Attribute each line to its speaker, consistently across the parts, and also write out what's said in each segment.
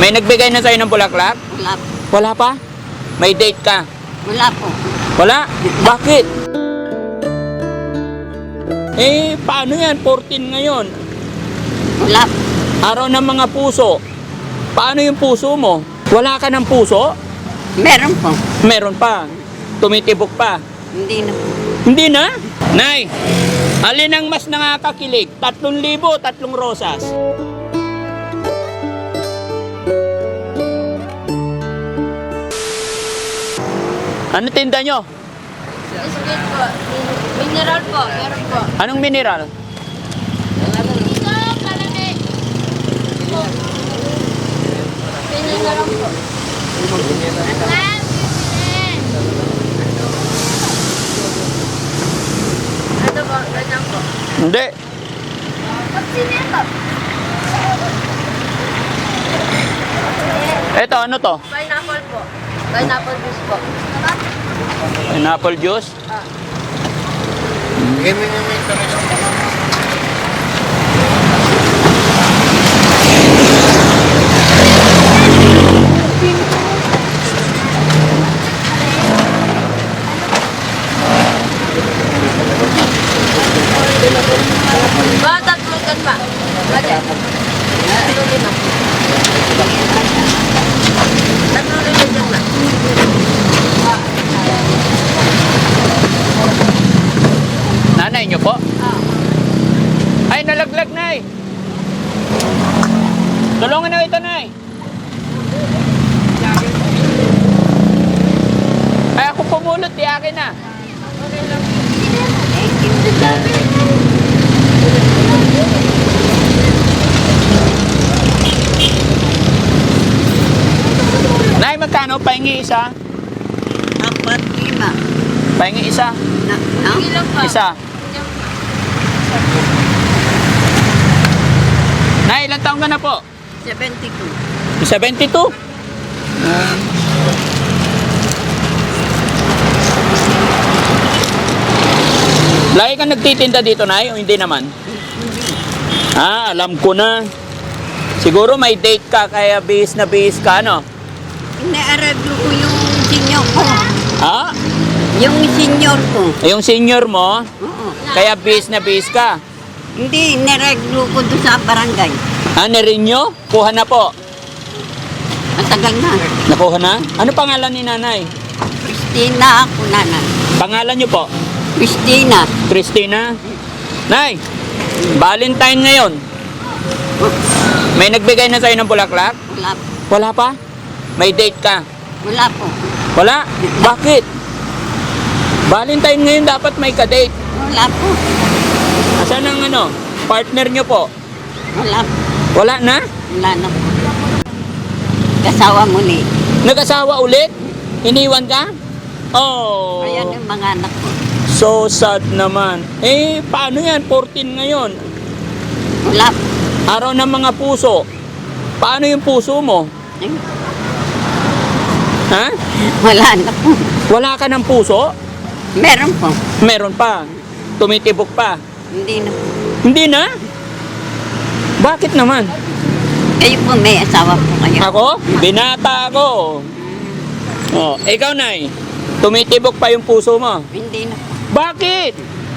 Speaker 1: May nagbigay na sa'yo ng bulaklak?
Speaker 2: Wala po.
Speaker 1: Wala pa? May date ka?
Speaker 2: Wala po.
Speaker 1: Wala? Bakit? Eh, paano yan? 14 ngayon.
Speaker 2: Wala po.
Speaker 1: Araw ng mga puso. Paano yung puso mo? Wala ka ng puso?
Speaker 2: Meron po.
Speaker 1: Meron pa. Tumitibok pa.
Speaker 2: Hindi na po.
Speaker 1: Hindi na? Nay, alin ang mas nakakakilig? 3,000, 3 rosas. Ano tinda nyo?
Speaker 3: Biscuit po. Mineral po. Meron po.
Speaker 1: Anong mineral?
Speaker 3: Dito, kalami. Pinil na lang po. Ano po? Ganyan po.
Speaker 1: Hindi.
Speaker 3: Pagsinito.
Speaker 1: Eto, ano to?
Speaker 3: Pineapple po. Pineapple juice po.
Speaker 1: Pineapple juice?
Speaker 3: Ba, tatlo kan ba? Ganyan. Tatlo lima. Tatlo lima dyan ba?
Speaker 1: Nanay nyo po? Ay, nalaglag, Nay. Tulungan na ito, Nay. Ay, ako pumulot, di akin na. Nay, magkano? Pahingi isa?
Speaker 2: 4, 5.
Speaker 1: Pahingi isa?
Speaker 2: Na?
Speaker 3: Ilang pa?
Speaker 1: Isa. Nay, ilang taong ka na po?
Speaker 2: 72.
Speaker 1: 72? Lagi ka nagtitinda dito, Nay, o hindi naman? Ah, alam ko na. Siguro may date ka, kaya bihis na bihis ka, no?
Speaker 2: Inaarablo ko yung senior ko.
Speaker 1: Ha?
Speaker 2: Yung senior ko.
Speaker 1: Yung senior mo,
Speaker 2: Oo.
Speaker 1: kaya bihis na bihis ka.
Speaker 2: Hindi, inareglo ko doon sa barangay.
Speaker 1: Ah, na-renew? Kuha na po.
Speaker 2: Matagal na.
Speaker 1: Nakuha na? Ano pangalan ni Nanay?
Speaker 2: Christina ako, nanay.
Speaker 1: Pangalan niyo po?
Speaker 2: Christina.
Speaker 1: Christina? Nay, Valentine ngayon. May nagbigay na sa'yo ng bulaklak?
Speaker 2: Wala po.
Speaker 1: Wala pa? May date ka?
Speaker 2: Wala po.
Speaker 1: Wala? Bakit? Valentine ngayon dapat may ka-date.
Speaker 2: Wala po.
Speaker 1: Asan ang ano? Partner nyo po?
Speaker 2: Wala po.
Speaker 1: Wala na?
Speaker 2: Wala na po. Kasawa muli.
Speaker 1: Nag-asawa ulit? Iniwan ka? Oh.
Speaker 2: Ayan yung mga anak ko.
Speaker 1: So sad naman. Eh, paano yan? 14 ngayon.
Speaker 2: Wala po.
Speaker 1: Araw ng mga puso. Paano yung puso mo?
Speaker 2: Eh,
Speaker 1: Ha?
Speaker 2: wala na po.
Speaker 1: Wala ka ng puso?
Speaker 2: Meron po.
Speaker 1: Meron pa. Tumitibok pa.
Speaker 2: Hindi na po.
Speaker 1: Hindi na? Bakit naman?
Speaker 2: Kayo po may asawa po kayo.
Speaker 1: Ako? Binata ako. Oh, ikaw, Nay. Tumitibok pa yung puso mo.
Speaker 2: Hindi na po.
Speaker 1: Bakit?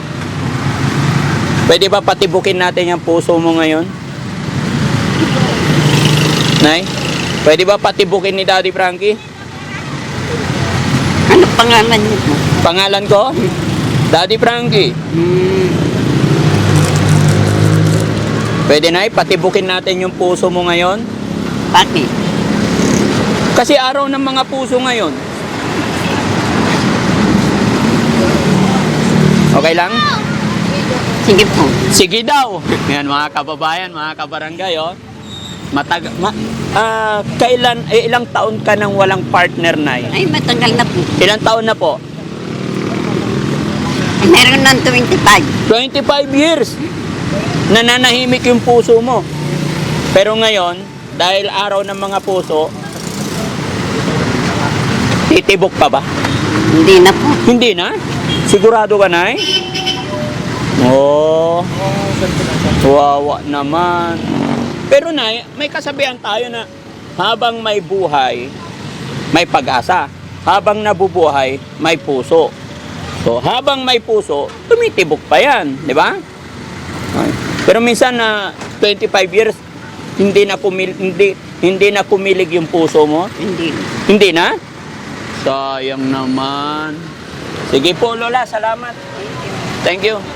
Speaker 1: Pwede ba patibukin natin yung puso mo ngayon? Nay? Pwede ba patibukin ni Daddy Frankie?
Speaker 2: Ano pangalan niyo po?
Speaker 1: Pangalan ko? Daddy Frankie. Pwede, Nay, patibukin natin yung puso mo ngayon?
Speaker 2: Bakit?
Speaker 1: Kasi araw ng mga puso ngayon. Okay lang?
Speaker 2: Sige po.
Speaker 1: Sige daw. Yan mga kababayan, mga kabarangay, oh. Ilang taon ka nang walang partner, Nay?
Speaker 2: Ay, matagal na po.
Speaker 1: Ilang taon na po?
Speaker 2: Meron ng 25.
Speaker 1: 25 years. Nananahimik yung puso mo. Pero ngayon, dahil araw ng mga puso, titibok pa ba?
Speaker 2: Hindi na po.
Speaker 1: Hindi na? Sigurado ka, Nay? Oh, wawa naman. Pero, Nay, may kasabihan tayo na habang may buhay, may pag-asa. Habang nabubuhay, may puso. So, habang may puso, tumitibok pa yan, di ba? Okay. Pero minsan na 25 years, hindi na kumilig yung puso mo.
Speaker 2: Hindi.
Speaker 1: Hindi na? Sayang naman. Sige po, Lola, salamat. Thank you.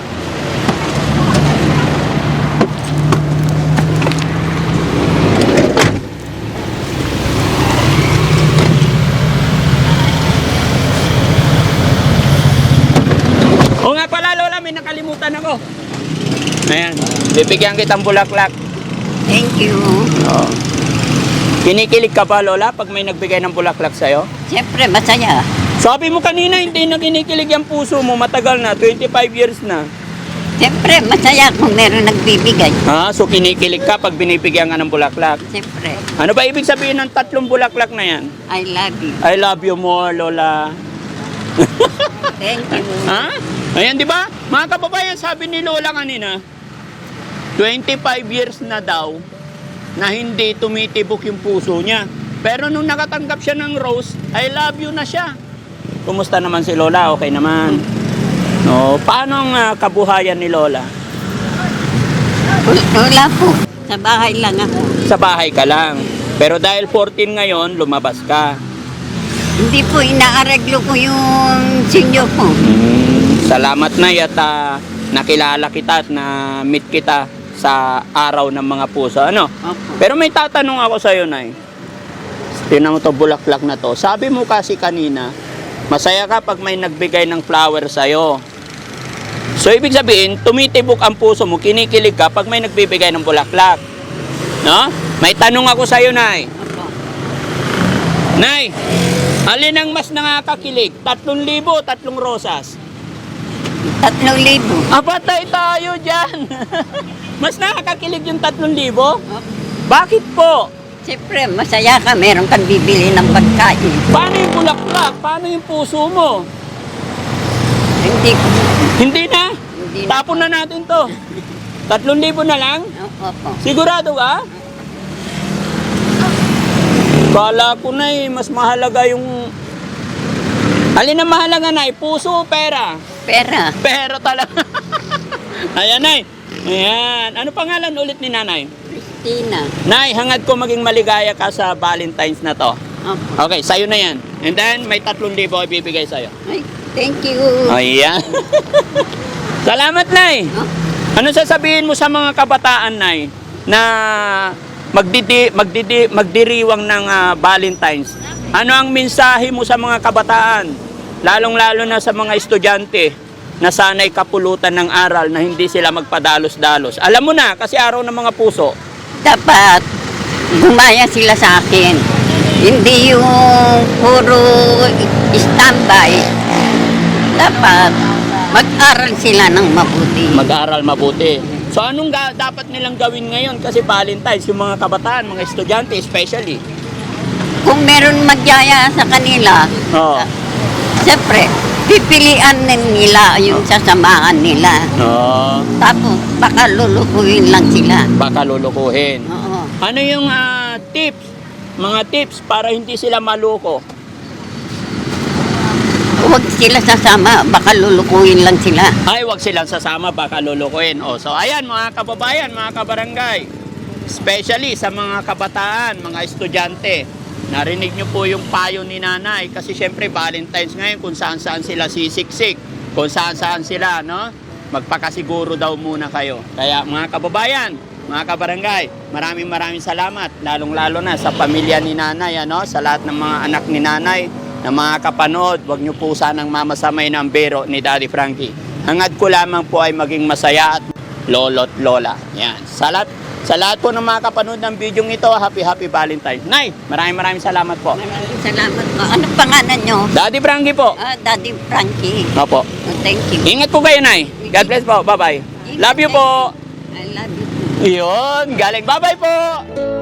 Speaker 1: O nga pala, Lola, may nakalimutan ako. Ayan, bibigyan kitang bulaklak.
Speaker 2: Thank you.
Speaker 1: Oh. Kinikilig ka pa, Lola, pag may nagbigay ng bulaklak sa'yo?
Speaker 2: Siyempre, masaya.
Speaker 1: Sabi mo kanina, hindi na kinikilig ang puso mo. Matagal na, 25 years na.
Speaker 2: Siyempre, masaya kung meron nagbibigay.
Speaker 1: Ha? So kinikilig ka pag binibigyan ka ng bulaklak.
Speaker 2: Siyempre,
Speaker 1: Ano ba ibig sabihin ng 3 bulaklak na yan?
Speaker 2: I love you.
Speaker 1: I love you more, Lola.
Speaker 2: Thank you.
Speaker 1: Ha? Ayan, di ba? Mga kababayan, sabi ni Lola kanina, 25 years na daw na hindi tumitibok yung puso niya. Pero nung nakatanggap siya ng rose, I love you na siya. Kumusta naman si Lola? Okay naman. No, paano ang kabuhayan ni Lola?
Speaker 2: Wala po. Sa bahay lang ako.
Speaker 1: Sa bahay ka lang. Pero dahil 14 ngayon, lumabas ka.
Speaker 2: Hindi po inaareglo ko yung senior ko.
Speaker 1: Salamat na at nakilala kita at na-meet kita sa araw ng mga puso. Ano?
Speaker 2: Opo.
Speaker 1: Pero may tatanong ako sa'yo, Nay. Tinan mo to bulaklak na to. Sabi mo kasi kanina, masaya ka pag may nagbigay ng flower sa'yo. So, ibig sabihin, tumitibok ang puso mo, kinikilig ka pag may nagbibigay ng bulaklak. No? May tanong ako sa'yo, Nay.
Speaker 2: Opo.
Speaker 1: Nay, alin ang mas nakakakilig? 3,000, 3 rosas?
Speaker 2: 3,000.
Speaker 1: Patay tayo dyan. Mas nakakakilig yung 3,000?
Speaker 2: Opo.
Speaker 1: Bakit po?
Speaker 2: Siyempre, masaya ka. Meron kang bibili ng pagkain.
Speaker 1: Paano yung bulaklak? Paano yung puso mo?
Speaker 2: Hindi ko.
Speaker 1: Hindi na?
Speaker 2: Hindi na.
Speaker 1: Tapon na natin to. 3,000 na lang?
Speaker 2: Opo.
Speaker 1: Sigurado ka? Kala ko na mas mahalaga yung... Alin ang mahalaga, Nay? Puso o pera?
Speaker 2: Pera.
Speaker 1: Pera talaga. Ayan, Nay. Ayan. Ano pangalan ulit ni Nanay?
Speaker 2: Christina.
Speaker 1: Nay, hangad ko maging maligaya ka sa Valentine's na to.
Speaker 2: Opo.
Speaker 1: Okay, sa'yo na yan. And then, may 3,000 ibibigay sa'yo.
Speaker 2: Ay, thank you.
Speaker 1: Ayan. Salamat, Nay.
Speaker 2: Oh,
Speaker 1: Ano sasabihin mo sa mga kabataan, Nay, na magdiriwang ng Valentine's? Ano ang mensahe mo sa mga kabataan? Lalong-lalo na sa mga estudyante na sana'y kapulutan ng aral na hindi sila magpadalos-dalos. Alam mo na, kasi araw ng mga puso.
Speaker 2: dapat gumaya sila sa akin. Hindi yung puro standby. Dapat mag-aral sila ng mabuti.
Speaker 1: Mag-aral mabuti. So anong dapat nilang gawin ngayon? Kasi Valentine's, yung mga kabataan, mga estudyante especially.
Speaker 2: Kung meron magyaya sa kanila,
Speaker 1: Oo.
Speaker 2: siyempre, pipilian din nila yung sasamahan nila.
Speaker 1: Oo.
Speaker 2: Tapos, baka lulukuhin lang sila.
Speaker 1: Baka lulukuhin.
Speaker 2: Oo.
Speaker 1: Ano yung tips? Mga tips para hindi sila maloko?
Speaker 2: Huwag sila sasama, baka lulukuhin lang sila.
Speaker 1: Ay, wag silang sasama, baka lulukuhin. O, so ayan mga kababayan, mga kabarangay. Especially sa mga kabataan, mga estudyante. Narinig nyo po yung payo ni Nanay kasi syempre Valentine's ngayon kung saan-saan sila sisiksik, kung saan-saan sila, no? Magpakasiguro daw muna kayo. Kaya mga kababayan, mga kabarangay, maraming salamat, lalong-lalo na sa pamilya ni Nanay, ano? Sa lahat ng mga anak ni Nanay na mga kapanood, wag nyo po sanang mamasamay ng biro ni Daddy Frankie. Hangad ko lamang po ay maging masaya at lolo't lola. Yan. Sa lahat po ng mga kapanood ng video ito, happy Valentine's. Nay, maraming salamat po.
Speaker 2: Maraming salamat po. Anong pangalan nyo?
Speaker 1: Daddy Frankie po.
Speaker 2: Daddy Frankie.
Speaker 1: Opo.
Speaker 2: Oh, thank you.
Speaker 1: Ingat po kayo, Nay. God bless po. Bye-bye. Love you po.
Speaker 2: I love you too.
Speaker 1: Yun, galing. Bye-bye po.